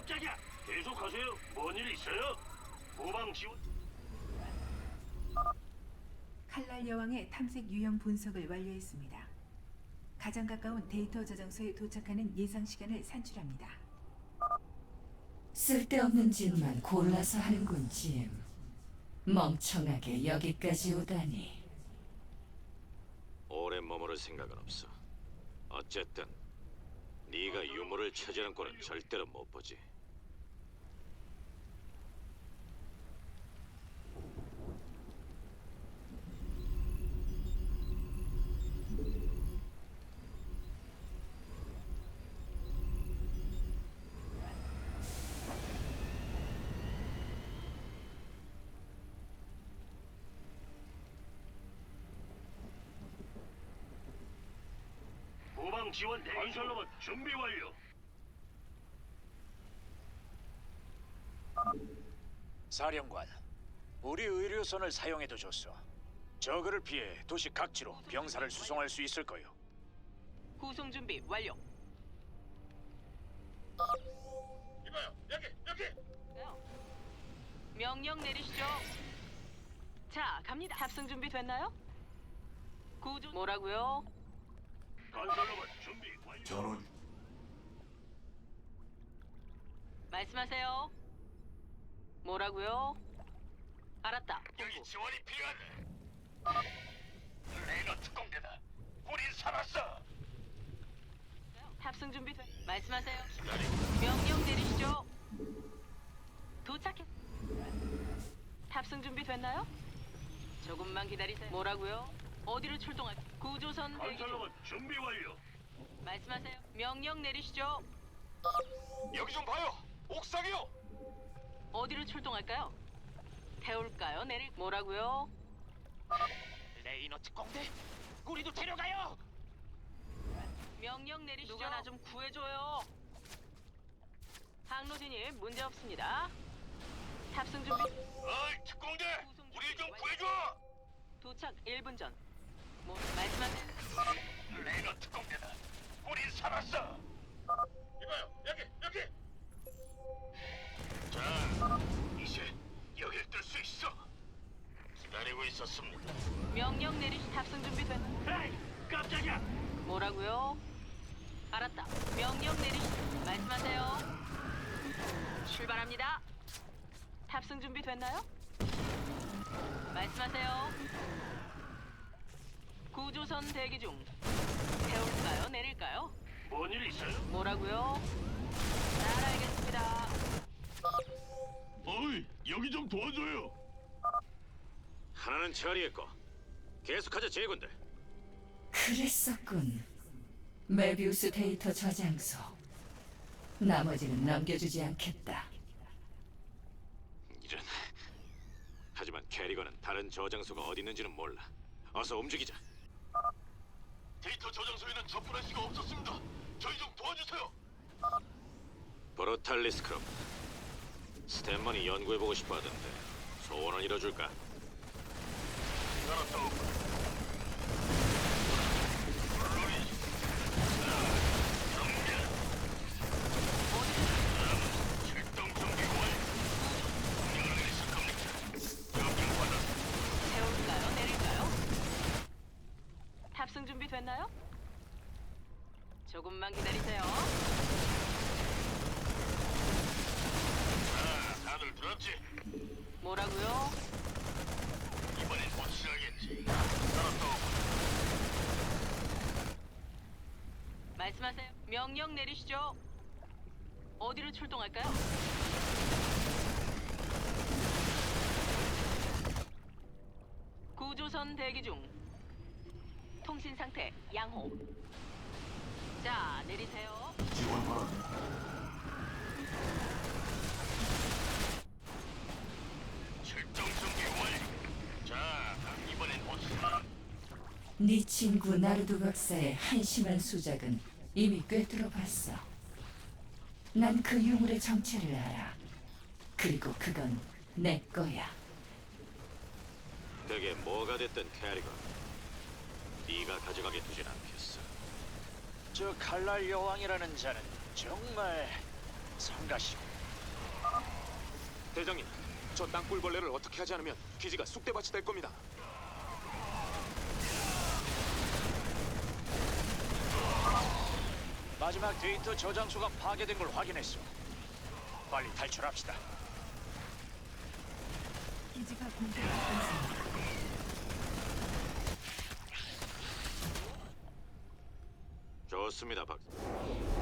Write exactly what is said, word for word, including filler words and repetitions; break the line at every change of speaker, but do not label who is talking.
깜짝이야. 계속하세요. 뭔 일 있어요? 후방 지원.
칼날 여왕의 탐색 유형 분석을 완료했습니다. 가장 가까운 데이터 저장소에 도착하는 예상 시간을 산출합니다.
쓸데없는 짓만 골라서 하는군, 짐. 멍청하게 여기까지 오다니.
오래 머무를 생각은 없어. 어쨌든 네가 유물을 차지하는 꼴은 절대로 못 보지.
후방 지원 대기. 건설로봇 준비 완료.
사령관, 우리 의료선을 사용해도 좋소. 저그를 피해 도시 각지로 병사를 수송할 수 있을 거요.
구송 준비 완료.
이봐요. 여기 여기.
명령 내리시죠. 자, 갑니다. 탑승 준비 됐나요? 구조 뭐라고요?
건설로봇 준비 완료.
전원
말씀하세요. 뭐라고요? 알았다.
여기 지원이 필요하네. 레이너 특공대다. 우린 살았어.
탑승 준비 돼. 말씀하세요. 명령 내리시죠. 도착했. 탑승 준비 됐나요? 조금만 기다리세요. 뭐라고요? 어디로 출동할? 구조선 대기 중.
건설로봇 준비 완료.
말씀하세요. 명령 내리시죠.
여기 좀 봐요. 옥상이요.
어디로 출동할까요? 태울까요? 내릴 뭐라고요?
레이너 특공대, 우리도 데려가요.
명령 내리시죠. 누가 나 좀 구해줘요. 항로 진입 문제 없습니다. 탑승 준비.
어이 특공대. 우리 좀 구해줘.
도착 일 분 전. 뭐 말씀하세요.
레이너 특공대다. 우린 살았어. 이봐요. 여기 여기. 자, 이제 여길 뜰 수 있어. 기다리고 있었습니다.
명령 내리시 탑승 준비 된.
에이, 깜짝이야.
뭐라고요? 알았다. 명령 내리시. 말씀하세요. 출발합니다. 탑승 준비 됐나요? 말씀하세요. 구조선 대기 중. 태울까요? 내릴까요?
뭔 일 있어요?
뭐라고요? 잘 알겠습니다.
어이, 여기 좀 도와줘요.
하나는 처리했고 계속하자 제군들.
그랬었군. 메비우스 데이터 저장소. 나머지는 넘겨주지 않겠다.
이런. 하지만 캐리건은 다른 저장소가 어디 있는지는 몰라. 어서 움직이자.
데이터 저장소에는 접근할 수가 없었습니다. 저희 좀 도와주세요.
브로탈리스 크롭. 스탠만이 연구해보고 싶어 하던데 소원을 이뤄줄까?
알았다. 출동 준비 완료. 명령을 내리실 겁니까? 명령 받았습니다.
태울까요? 내릴까요? 탑승 준비 됐나요? 조금만 기다리세요.
자, 다들 들었지?
뭐라고요?
이번엔 확실하겠지. 알았다.
말씀하세요. 명령 내리시죠. 어디로 출동할까요? 구조선 대기 중. 통신 상태 양호. 자, 내리세요.
지원 바랍니다.
출동 준비 완료. 자, 이번엔 확실하.
네 친구 나르도 박사의 한심한 수작은 이미 꿰뚫어봤어. 난 그 유물의 정체를 알아. 그리고 그건 내 거야.
그게 뭐가 됐든 캐리건, 네가 가져가게 두진 않겠어.
저 칼날 여왕이라는 자는 정말 성가시고
대장님, 저 땅굴벌레를 어떻게 하지 않으면 기지가 쑥대밭이 될 겁니다.
마지막 데이터 저장소가 파괴된 걸 확인했어. 빨리 탈출합시다.
기지가 공격받고 있습니다.
좋습니다, 박.